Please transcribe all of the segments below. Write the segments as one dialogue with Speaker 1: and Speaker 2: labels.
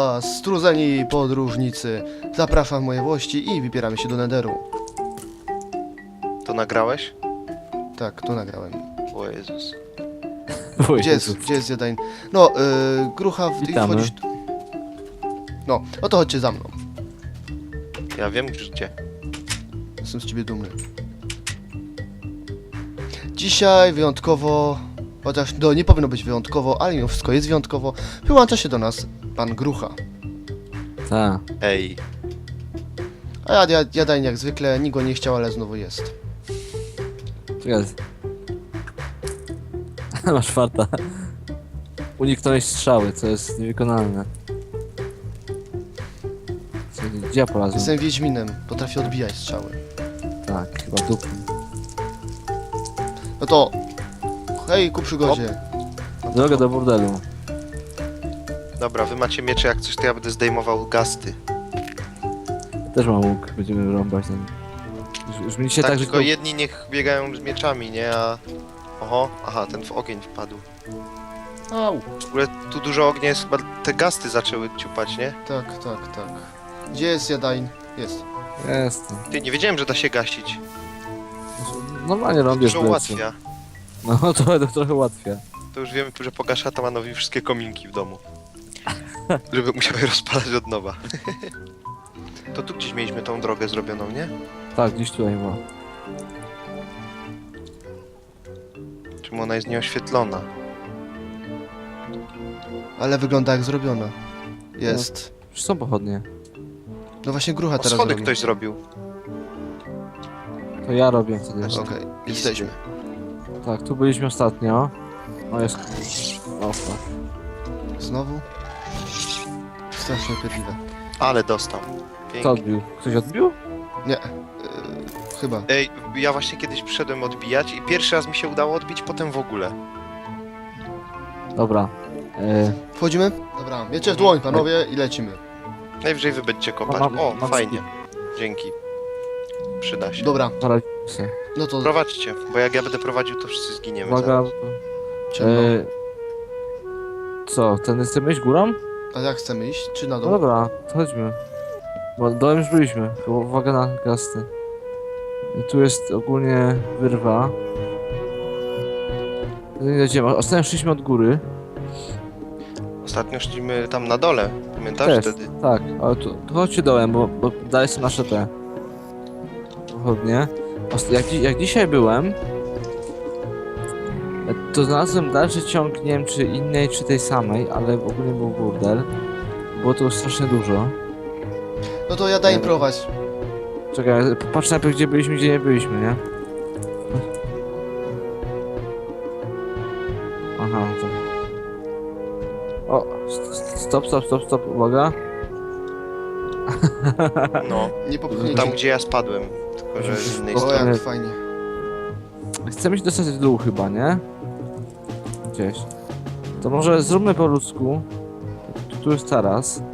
Speaker 1: was, strudzeni podróżnicy. Zapraszam w moje włości i wybieramy się do Netheru.
Speaker 2: To nagrałeś?
Speaker 1: Tak, to nagrałem.
Speaker 2: O Jezus.
Speaker 1: Gdzie jest Jadain? No, Grucha,
Speaker 3: Witamy.
Speaker 1: wchodzisz tu. No, no to chodźcie za mną.
Speaker 2: Ja wiem już gdzie.
Speaker 1: Jestem z ciebie dumny. Dzisiaj wyjątkowo, chociaż no, nie powinno być wyjątkowo, ale mimo wszystko jest wyjątkowo, wyłącza się do nas pan Grucha.
Speaker 3: Tak.
Speaker 2: Ej.
Speaker 1: A Jadain jak zwykle, nikt go nie chciał, ale znowu jest.
Speaker 3: Czekaj. Masz farta. Uniknąłeś strzały, co jest niewykonalne. Gdzie ja polazłem?
Speaker 1: Jestem Wiedźminem, potrafię odbijać strzały.
Speaker 3: Tak, chyba dupy.
Speaker 1: No to, hej ku przygodzie.
Speaker 3: Droga do burdelu.
Speaker 2: Dobra, wy macie miecze, jak coś to ja będę zdejmował gasty.
Speaker 3: Też mam łuk, będziemy rąbać ten. Już mi się
Speaker 2: Tak,
Speaker 3: tak, że
Speaker 2: tylko jedni niech biegają z mieczami, nie? A... Oho, aha, ten w ogień wpadł.
Speaker 1: Au.
Speaker 2: W ogóle tu dużo ognia jest, chyba te gasty zaczęły ciupać, nie?
Speaker 1: Tak. Gdzie jest Jadain? Jest.
Speaker 3: Jestem.
Speaker 2: Ty, nie wiedziałem, że da się gasić.
Speaker 3: Normalnie rąbiesz
Speaker 2: Dużo
Speaker 3: plecy.
Speaker 2: ułatwia.
Speaker 3: No to trochę ułatwia.
Speaker 2: To już wiemy, że pogasza Tamanowi wszystkie kominki w domu. Żeby musiał je rozpalać od nowa. To tu gdzieś mieliśmy tą drogę zrobioną, nie?
Speaker 3: Tak, gdzieś tutaj była.
Speaker 2: Czemu ona jest nieoświetlona?
Speaker 1: Ale wygląda jak zrobiona. Jest.
Speaker 3: Już są pochodnie.
Speaker 1: No właśnie Grucha
Speaker 2: O,
Speaker 1: teraz
Speaker 2: schody
Speaker 1: robi.
Speaker 2: ktoś zrobił.
Speaker 3: To ja robię wtedy.
Speaker 1: Okej, jesteśmy.
Speaker 3: Tak, tu byliśmy ostatnio. O, jest... O, fuck.
Speaker 1: Znowu? Strasznie upierdliwe.
Speaker 2: Ale dostał.
Speaker 3: Kto
Speaker 2: Pięknie.
Speaker 3: odbił? Ktoś odbił?
Speaker 1: Nie. Chyba.
Speaker 2: Ej, ja właśnie kiedyś przyszedłem odbijać i pierwszy raz mi się udało odbić, potem w ogóle.
Speaker 3: Dobra.
Speaker 1: Wchodzimy? Dobra, miecze w dłoń, panowie, i lecimy.
Speaker 2: Najwyżej wy będziecie kopać.
Speaker 3: Mam-
Speaker 2: O,
Speaker 3: mam
Speaker 2: fajnie. Dzięki. Przyda się.
Speaker 1: Dobra,
Speaker 3: Poradzimy się.
Speaker 1: no to
Speaker 2: Prowadźcie, bo jak ja będę prowadził, to wszyscy zginiemy.
Speaker 3: Uwaga.
Speaker 2: zaraz.
Speaker 1: ciemno.
Speaker 3: Co, ten chcemy iść górą?
Speaker 1: A jak chcemy iść? Czy na
Speaker 3: No
Speaker 1: dół?
Speaker 3: dobra, to chodźmy. Bo dołem już byliśmy, tylko uwaga na gasty. I tu jest ogólnie wyrwa. Nie dojdziemy. Ostatnio szliśmy od góry.
Speaker 2: Ostatnio szliśmy tam na dole. Pamiętasz
Speaker 3: Też,
Speaker 2: wtedy?
Speaker 3: tak, ale tu chodźcie dołem, bo dalej są nasze te pochodnie. Jak dzisiaj byłem, to znalazłem dalszy ciąg, nie wiem czy innej, czy tej samej, ale ogólnie był burdel. Było tu strasznie dużo.
Speaker 1: No to Jadain prowadź.
Speaker 3: Czekaj, patrz najpierw gdzie byliśmy, gdzie nie byliśmy, nie? Aha, to... O, stop, uwaga.
Speaker 2: No.
Speaker 1: Nie popchnięcie.
Speaker 2: Tam gdzie ja spadłem. Tylko że z innej
Speaker 1: O,
Speaker 2: strony.
Speaker 1: jak fajnie.
Speaker 3: Chcemy się dostać w dół chyba, nie? Gdzieś. To może zróbmy po ludzku. Tu jest taras.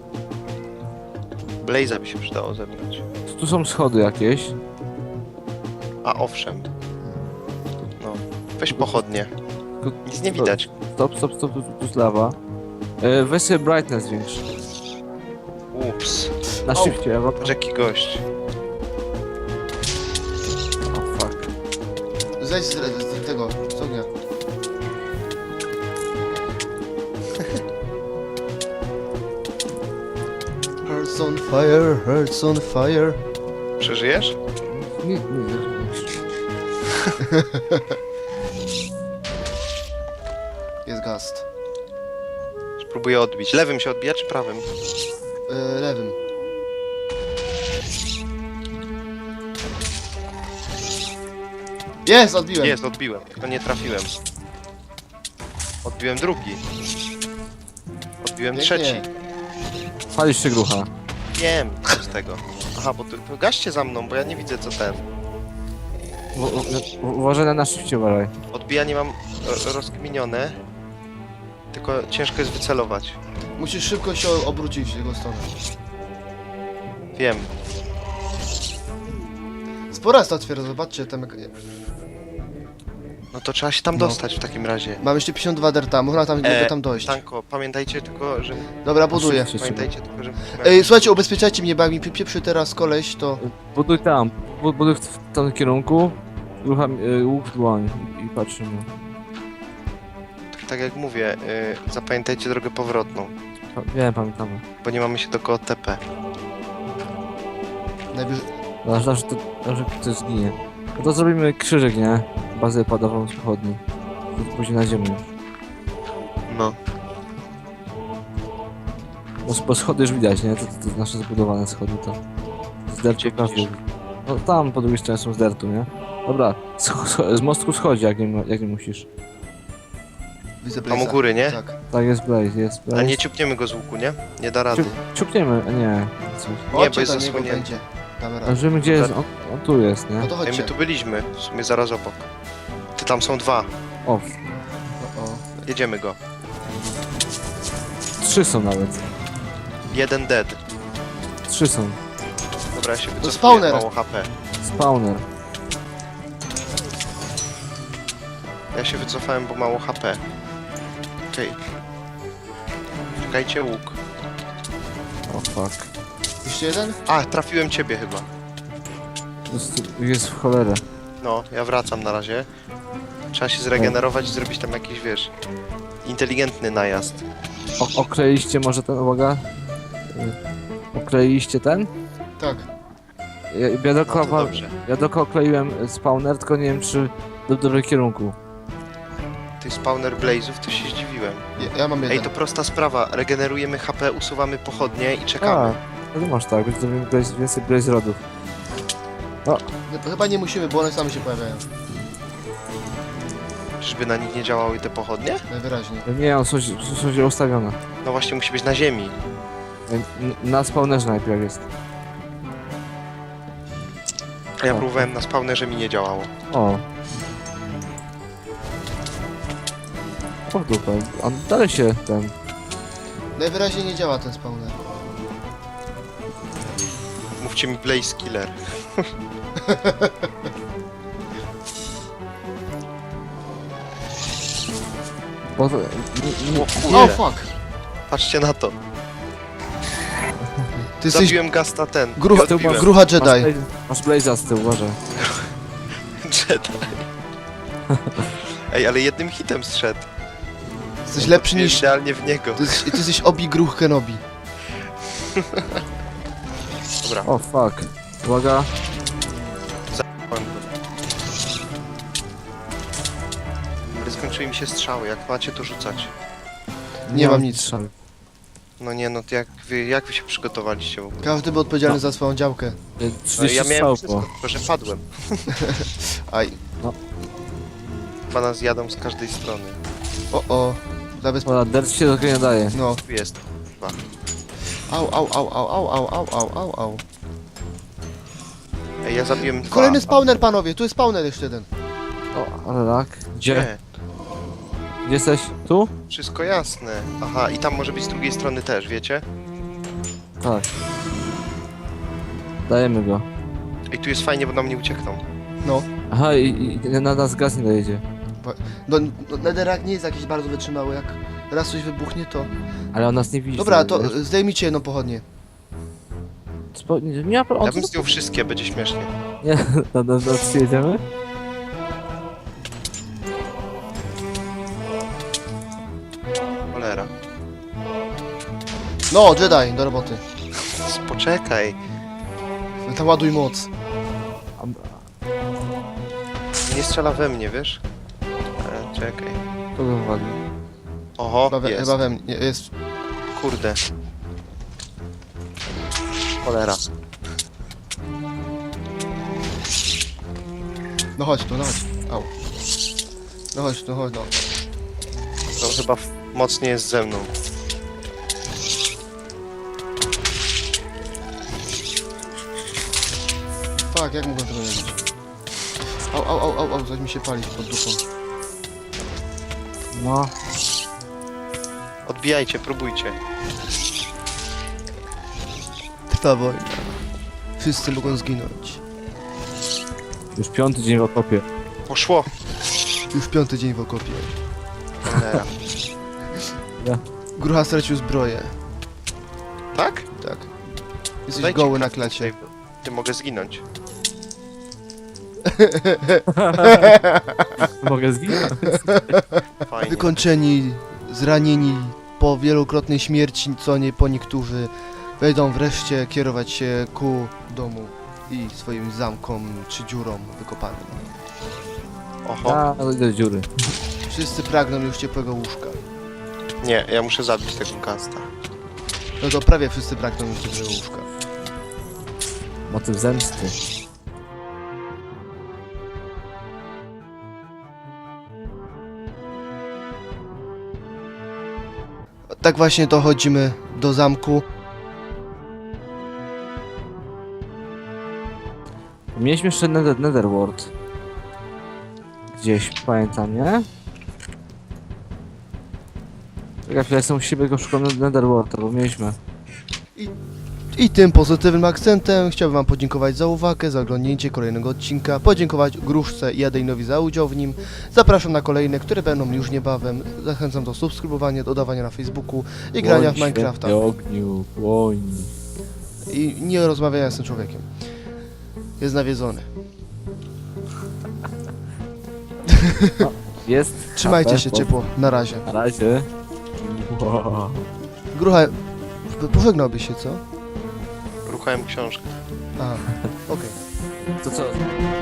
Speaker 2: Blaze'a by się przydało zebrać.
Speaker 3: Tu są schody jakieś.
Speaker 2: A owszem. No. Weź pochodnie.
Speaker 3: Tylko-
Speaker 2: Nic nie widać.
Speaker 3: Stop, tu jest lawa. Weź sobie brightness większy.
Speaker 2: Ups.
Speaker 3: Na
Speaker 1: Au.
Speaker 3: shifcie, Ewa.
Speaker 2: Patrz jaki gość.
Speaker 3: O fuck.
Speaker 1: Zejdź z tego, z ognia. Hearts on fire, hearts on fire.
Speaker 2: Przeżyjesz?
Speaker 3: Nie.
Speaker 1: Jest gast.
Speaker 2: Spróbuję odbić. Lewym się odbija czy prawym?
Speaker 1: Lewym. Jest, odbiłem.
Speaker 2: Jest, odbiłem. Tylko nie trafiłem. Odbiłem drugi. Odbiłem
Speaker 1: Pięknie.
Speaker 2: trzeci.
Speaker 3: Palisz się grucha.
Speaker 2: Wiem, co z tego. Aha, bo to gaście za mną, bo ja nie widzę co ten.
Speaker 3: Uważaj na shifcie, uważaj.
Speaker 2: Odbijanie mam rozkminione. Tylko ciężko jest wycelować.
Speaker 1: Musisz szybko się obrócić w jego stronę.
Speaker 2: Wiem.
Speaker 1: Spora jest ta otwiera, zobaczcie tam jak...
Speaker 2: No to trzeba się tam
Speaker 1: No.
Speaker 2: dostać w takim razie.
Speaker 1: Mam jeszcze 52 derta, można tam, mogę tam dojść.
Speaker 2: Tanko, pamiętajcie tylko, że...
Speaker 1: Dobra, buduję.
Speaker 3: Szybciej.
Speaker 2: Pamiętajcie tylko, że...
Speaker 1: Ej, słuchajcie, ubezpieczajcie mnie, bo jak mi pieprzy teraz koleś, to...
Speaker 3: Buduj tam, buduj w tym kierunku. Rucham łuk w dłoń i patrzymy.
Speaker 2: Tak jak mówię, zapamiętajcie drogę powrotną,
Speaker 3: Wiem, pamiętamy.
Speaker 2: bo nie mamy się do koło TP.
Speaker 1: Najwyżej...
Speaker 3: Że ktoś zginie. No to zrobimy krzyżyk, nie? Bazę padową z pochodni. Później na ziemię już.
Speaker 2: No.
Speaker 3: Bo schody już widać, nie? To nasze zbudowane schody to. Z dertu
Speaker 2: Gdzie
Speaker 3: każdy.
Speaker 2: widzisz?
Speaker 3: No tam po drugiej stronie są z dertu, nie? Dobra, z mostku schodzi, jak nie musisz.
Speaker 1: Widzę
Speaker 2: Tam u
Speaker 1: Blaze'a.
Speaker 2: góry, nie?
Speaker 1: Tak.
Speaker 3: Tak, jest Blaze, jest
Speaker 2: A
Speaker 3: Blaze.
Speaker 2: nie ciupniemy go z łuku, nie? Nie da rady.
Speaker 3: Ciupniemy, nie. Coś.
Speaker 2: Nie, bo
Speaker 1: Chodźcie
Speaker 2: jest
Speaker 1: do niego,
Speaker 2: zasłonięty.
Speaker 1: będzie. Damy radę.
Speaker 3: Zobaczymy gdzie jest, on tu jest, nie?
Speaker 1: No to
Speaker 2: Ej,
Speaker 1: chodźcie.
Speaker 2: my tu byliśmy, w sumie zaraz obok. Ty, tam są dwa.
Speaker 3: O,
Speaker 1: O.
Speaker 2: Jedziemy go.
Speaker 3: 3 są nawet.
Speaker 2: Jeden dead.
Speaker 3: 3 są.
Speaker 2: Dobra, ja się wycofuję,
Speaker 1: spawner.
Speaker 2: mało HP.
Speaker 3: Spawner.
Speaker 2: Ja się wycofałem, bo mało HP. Okej. Czekajcie, łuk.
Speaker 3: O fuck.
Speaker 1: Jeszcze jeden?
Speaker 2: A, trafiłem ciebie chyba.
Speaker 3: Jest w cholerę.
Speaker 2: No, ja wracam na razie. Trzeba się zregenerować i zrobić tam jakiś, wiesz, inteligentny najazd.
Speaker 3: Okleiliście może ten, uwaga. Okleiliście ten?
Speaker 1: Tak.
Speaker 3: Ja
Speaker 2: No
Speaker 3: dookoła,
Speaker 2: to dobrze.
Speaker 3: ja dookoła okleiłem spawner, tylko nie wiem czy w dobrym kierunku.
Speaker 2: Tych spawner blazów to się zdziwiłem.
Speaker 1: Ja mam jeden.
Speaker 2: Ej, to prosta sprawa. Regenerujemy HP, usuwamy pochodnie i
Speaker 3: A,
Speaker 2: czekamy.
Speaker 3: no to masz tak, będziemy więcej blaze rodów.
Speaker 1: Chyba nie musimy, bo one same się pojawiają.
Speaker 2: Czyżby na nich nie działały te pochodnie?
Speaker 1: Najwyraźniej.
Speaker 3: Nie, on są źle ustawione.
Speaker 2: No właśnie, musi być na ziemi.
Speaker 3: Na spawnerze najpierw jest.
Speaker 2: A ja
Speaker 3: Tak.
Speaker 2: próbowałem na spawnerze, mi nie działało.
Speaker 3: O. O w dupę. On dalej się ten...
Speaker 1: Najwyraźniej nie działa ten spawner.
Speaker 2: Mówcie mi Blaze Killer.
Speaker 3: Bo to,
Speaker 1: O fuck!
Speaker 2: Patrzcie na to.
Speaker 1: Ty jesteś
Speaker 2: Zabiłem Gasta ten.
Speaker 1: grucha,
Speaker 2: i odbiłem.
Speaker 1: grucha Jedi.
Speaker 3: masz blaze'a z tyłu, uważaj.
Speaker 2: Jedi. Ej, ale jednym hitem zszedł.
Speaker 1: Jesteś lepszy niż...
Speaker 2: Idealnie w niego.
Speaker 1: Ty jesteś Obi Gruch Kenobi.
Speaker 2: Dobra,
Speaker 3: O fuck. Uwaga.
Speaker 2: zapałem go. Ale skończyły mi się strzały, jak macie to rzucać.
Speaker 1: Nie mam nic.
Speaker 3: strzał.
Speaker 2: No nie, no to jak wy się przygotowaliście w ogóle?
Speaker 1: Każdy był odpowiedzialny za swoją działkę.
Speaker 2: No
Speaker 3: 30
Speaker 2: ja miałem
Speaker 3: strzał
Speaker 2: wszystko,
Speaker 3: było.
Speaker 2: tylko że padłem.
Speaker 1: Aj.
Speaker 2: Chyba nas jadą z każdej strony.
Speaker 1: O.
Speaker 3: Dobra, dirt się do nie daje.
Speaker 1: No.
Speaker 2: Tu jest. Chyba.
Speaker 1: Au.
Speaker 2: Ej, ja zabiłem dwa.
Speaker 1: Kolejny spawner, panowie. Tu jest spawner jeszcze jeden.
Speaker 3: O, ale tak. Gdzie?
Speaker 2: Nie,
Speaker 3: Gdzie jesteś? Tu?
Speaker 2: wszystko jasne. Aha, i tam może być z drugiej strony też, wiecie?
Speaker 3: Tak. Dajemy go.
Speaker 2: Ej, tu jest fajnie, bo nam nie uciekną.
Speaker 1: No.
Speaker 3: Aha, i na nas gaz nie dojedzie.
Speaker 1: No, Netherrack nie jest jakiś bardzo wytrzymały. Jak raz coś wybuchnie, to...
Speaker 3: Ale on nas nie widzi.
Speaker 1: Dobra, to
Speaker 3: wiesz?
Speaker 1: zdejmijcie jedną pochodnię.
Speaker 3: Nie ma
Speaker 2: Ja bym zdjął wszystkie, będzie śmiesznie.
Speaker 3: Nie, na jedziemy?
Speaker 2: Cholera.
Speaker 1: No, Jedi, do roboty.
Speaker 2: Poczekaj.
Speaker 1: Tam ładuj moc.
Speaker 2: Nie strzela we mnie, wiesz? Czekaj.
Speaker 3: Kogo wywalił?
Speaker 2: Oho, jest.
Speaker 1: Chyba we mnie. Jest...
Speaker 2: Kurde. Cholera.
Speaker 1: No chodź tu, no chodź. Au. No chodź tu, chodź, no.
Speaker 2: To chyba mocniej jest ze mną.
Speaker 1: Fuck, jak mogłem tego nie robić? Au, coś mi się pali pod dupą.
Speaker 3: No.
Speaker 2: Odbijajcie, próbujcie.
Speaker 1: Trwa wojna. Wszyscy mogą zginąć.
Speaker 3: Już 5. dzień w okopie.
Speaker 2: Poszło.
Speaker 1: Już 5. dzień w okopie.
Speaker 2: Cholera.
Speaker 1: Grucha stracił zbroję.
Speaker 2: Tak?
Speaker 1: Tak. Jesteś
Speaker 2: Dajcie
Speaker 1: goły na
Speaker 2: crafting
Speaker 1: klacie.
Speaker 2: table. Ty mogę zginąć.
Speaker 3: Mogę zginąć?
Speaker 2: Fajnie.
Speaker 1: Wykończeni, zranieni po wielokrotnej śmierci, co nie po niektórzy, wejdą wreszcie kierować się ku domu i swoim zamkom czy dziurom wykopanym.
Speaker 2: Oho.
Speaker 3: Ja idę do dziury.
Speaker 1: Wszyscy pragną już ciepłego łóżka.
Speaker 2: Nie, ja muszę zabić tego gasta.
Speaker 1: No to prawie wszyscy pragną już ciepłego łóżka.
Speaker 3: Motyw zemsty.
Speaker 1: Tak właśnie dochodzimy do zamku.
Speaker 3: Mieliśmy jeszcze Netherworld. Gdzieś, pamiętam, nie? Czekaj, ja jestem u siebie, go szukam Netherworlda, bo mieliśmy.
Speaker 1: I tym pozytywnym akcentem chciałbym wam podziękować za uwagę, za oglądnięcie kolejnego odcinka, podziękować Gruszce i Adejnowi za udział w nim. Zapraszam na kolejne, które będą już niebawem. Zachęcam do subskrybowania, dodawania na Facebooku i grania w Minecrafta.
Speaker 3: Świetnie, ogniu, płoń.
Speaker 1: I nie rozmawiania z tym człowiekiem. Jest nawiedzony.
Speaker 3: Jest.
Speaker 1: Trzymajcie
Speaker 3: HP,
Speaker 1: się ciepło. Na razie.
Speaker 3: Na razie. Wow.
Speaker 1: Grucha, pożegnałbyś się, co?
Speaker 2: Ruchałem książkę.
Speaker 1: Aha, okej.
Speaker 3: To co?